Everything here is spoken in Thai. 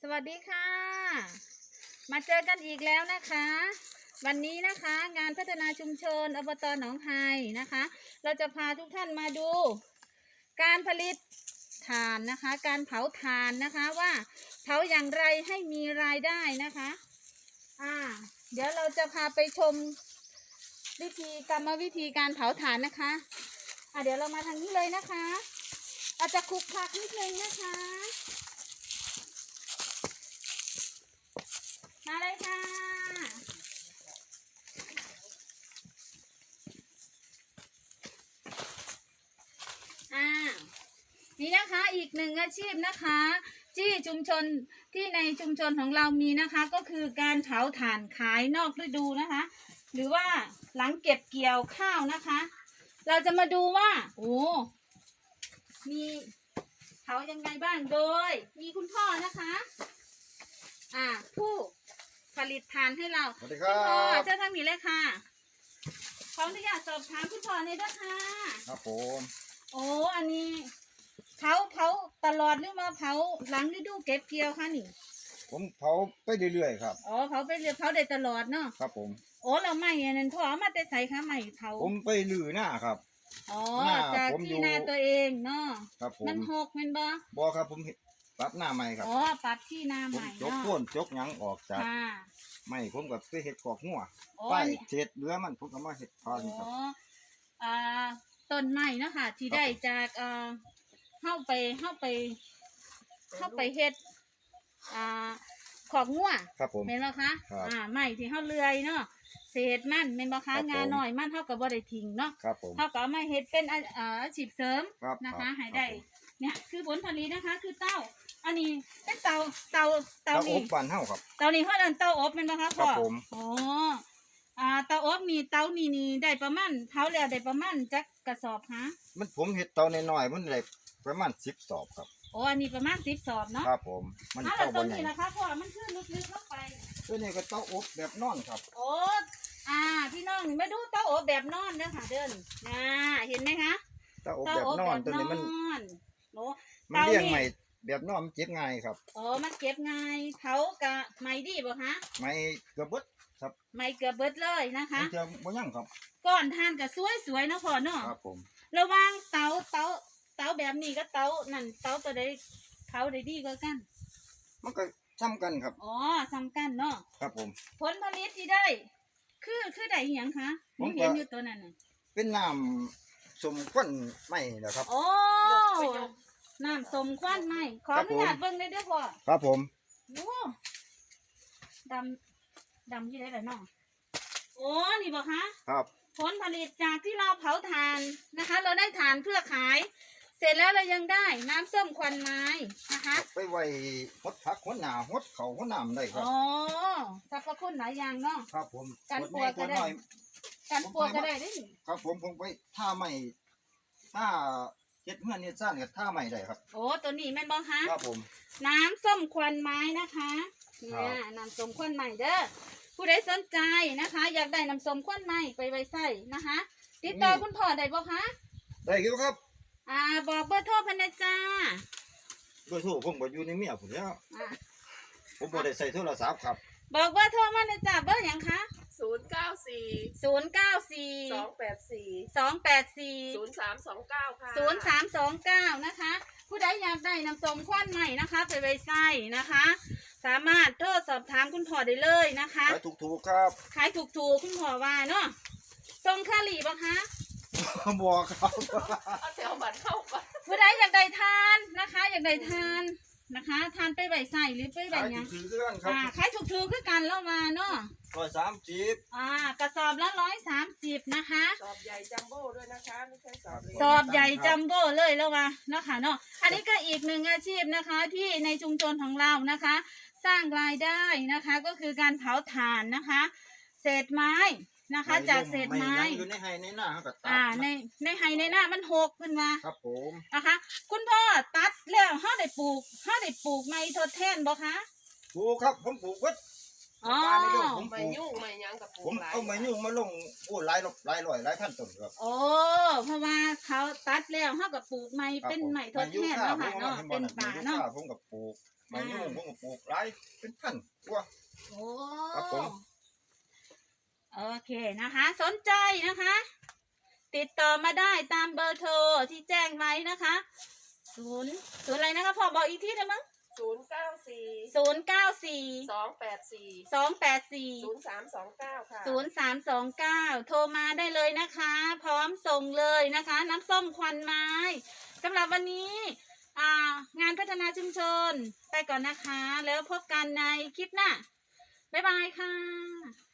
สวัสดีค่ะมาเจอกันอีกแล้วนะคะวันนี้นะคะงานพัฒนาชุมชนอบต.หนองไฮนะคะเราจะพาทุกท่านมาดูการผลิตถ่านนะคะการเผาถ่านนะคะว่าเผาอย่างไรให้มีรายได้นะคะเดี๋ยวเราจะพาไปชมกรรมวิธีการเผาถ่านนะคะเดี๋ยวเรามาทางนี้เลยนะคะอาจจะคลุกคลักนิดนึงนะคะมาเลยค่ะนี่นะคะอีกหนึ่งอาชีพนะคะที่ชุมชนที่ในชุมชนของเรามีนะคะก็คือการเผาถ่านขายนอกฤดูนะคะหรือว่าหลังเก็บเกี่ยวข้าวนะคะเราจะมาดูว่ามีเผายังไงบ้างโดยมีคุณพ่อนะคะผู้ผลิตถ่านให้เราคุณพ่อเจ้าทางนี้เลยค่ะขออนุญาตสอบถามคุณพ่อในอยด้วยค่ะครับผมอันนี้เผาตลอดหรือมาเผาหลังฤดูเก็บเกี่ยวคะนี่ผมเผาไปเรื่อยๆครับเผาไปเรื่อยเผาได้ตลอดเนาะครับผมเราไม่นั่นพ่อเอามาแต่ใส่ค่ะไม่เผาผมไปลือหน้าครับจากที่นาตัวเองเนาะครับผมมันหกมันบ่ครับผมปรับหน้าใหม่ครับปรับที่นาใหม่จกโค่นจกหยังออกจากไม่ผมกับไปเห็ดกอกงัวไปเศษเรือมันผมก็มาเห็ดทอนครับต้นไม้เนาะค่ะที่ได้จากเข้าไปเฮ็ดของงัวครับผมเห็นไหมคะไม้ที่เข้าเลื่อยเนาะเศษมันเป็นบ่คะงานหน่อยมันเท่ากับบ่ได้ทิ้งเนาะเท่ากับไม่เฮ็ดเป็นอาชีพเสริมนะคะให้ได้เนี่ยคือผลผลิตนะคะคือเต้าอันนี้เป็นเตานี่อบบ้านเฮาครับเตานี้เขาเอิ้นเตาอบเป็นบ่คะพ่อเตาอบนี่เตานี่ได้ประมาณเผาแล้วได้ประมาณจักกระสอบฮะมันผมเฮ็ดเตาน้อยๆมันได้ประมาณ10 สอบครับอันนี้ประมาณ10 สอบเนาะครับผมมันเตาบ่ใหญ่นี่นะคะพ่อมันคือลึกๆเข้าไปตัวนี้ก็เตาอบแบบนอนครับพี่น้องนี่มาดูเตาอบแบบนอนเด้อค่ะเดินเห็นไหมคะเตาอบแบบนอนตัวนี้มันเลี้ยงใหม่แบบนอนมันเก็บง่ายครับมันเก็บง่ายเผากะไม้ดีบ่คะไม้เกือบเบิดครับไม้เกือบเบิดเลยนะคะจะบ่ยั่งครับก้อนทานก็สวยๆนะพ่อเนาะครับผมระวังเตาแบบนี้ก็เตานั่นเตาตัวใดเผาได้ดีกว่ากันมันก็ซ้ำกันครับซ้ำกันเนาะครับผมผลผลิตที่ได้คือได้หยังคะผมเห็นอยู่ตัวนั้นน่ะเป็นน้ำส้มควันไม้เหรอครับน้ำส้มควันไม้ขออนุญาตเบิ่งได้ด้วยพ่อครับผมดำที่ได้เลยน้องนี่บอกคะครับผลผลิตจากที่เราเผาถ่านนะคะเราได้ถ่านเพื่อขายเสร็จแล้วเรายังได้น้ำส้มควันไม้นะคะไปไว้หดผักหดหนาหดเขาหดน้ำได้ครับสรรพคุณหลายอย่างเนาะครับผมกันปวกก็ได้ได้ครับผมไปท่าใหม่ท่าเจ็ดเมื่อเนี่ยสั้นกับท่าใหม่ได้ครับตัวนี้แม่นบ้องคะครับผมน้ำส้มควันไม้นะคะเนี่ยน้ำส้มควันไม้เด้อผู้ใดสนใจนะคะอยากได้น้ำส้มควันไม้ไปไว้ใส่นะคะติดต่อคุณพ่อได้บ่คะได้ครับบอกเบอร์โทรพันนะจ้าเบอร์โทรผมก็อยู่ในเมียผมแล้วผมบ่ได้ใส่โทรศัพท์ครับบอกเบอร์โทรมาเลยจ้าเบอร์อย่างคะ 094 284 0329ค่ะ0329นะคะผู้ใดอยากได้น้ำส้มควันใหม่นะคะไปไว้ใส่นะคะสามารถโทรสอบถามคุณพ่อได้เลยนะคะขายถูกๆครับขายถูกๆคุณพ่อว่าเนาะส่งค่าหลีบ่คะบอกครับเอาแถวบัตรเข้าก่อนผู้ใดอยากได้ทานนะคะอยากได้ทานนะคะทานไปใบใส่หรือไปใบยังขายถูกคือกันแล้วมาเนาะ 130 กระสอบละ130นะคะสอบใหญ่จัมโบ้ด้วยนะคะไม่ใช่สอบเล็กสอบใหญ่จัมโบ้เลยแล้วมาเนาะค่ะเนาะอันนี้ก็อีกหนึ่งอาชีพนะคะที่ในชุมชนของเรานะคะสร้างรายได้นะคะก็คือการเผาถ่านนะคะเศษไม้นะคะจากเศษไม้อยู่ในไฮในหน้าครับในไฮในหน้ามันหกขึ้นมาครับผมนะคะคุณพ่อตัดแล้วเขาได้ปลูกไม้ทดแทนบ่คะปลูกครับผมปลูกวัดผมไม่ยุ่งไม่ยังกับผมเอาไม้ยุ่งมาลงหลายร้อยหลายพันต้นครับเพราะว่าเขาตัดแล้วเขากับปลูกไม้เป็นไม้ทดแทนเนาะค่ะเนาะเป็นป่าเนาะผมกับปลูกไม้ยุ่งผมก็ปลูกหลายเป็นพันกว่าโอ้ครับผมโอเคนะคะ สนใจนะคะ ติดต่อมาได้ตามเบอร์โทรที่แจ้งไว้นะคะศูนย์อะไรนะคะพอบอกอีกที่ได้มั้ง 094 094 284 284 0329ค่ะ 0329 โทรมาได้เลยนะคะ พร้อมส่งเลยนะคะ น้ำส้มควันไม้สำหรับวันนี้งานพัฒนาชุมชนไปก่อนนะคะ แล้วพบกันในคลิปหน้า บ๊ายบายค่ะ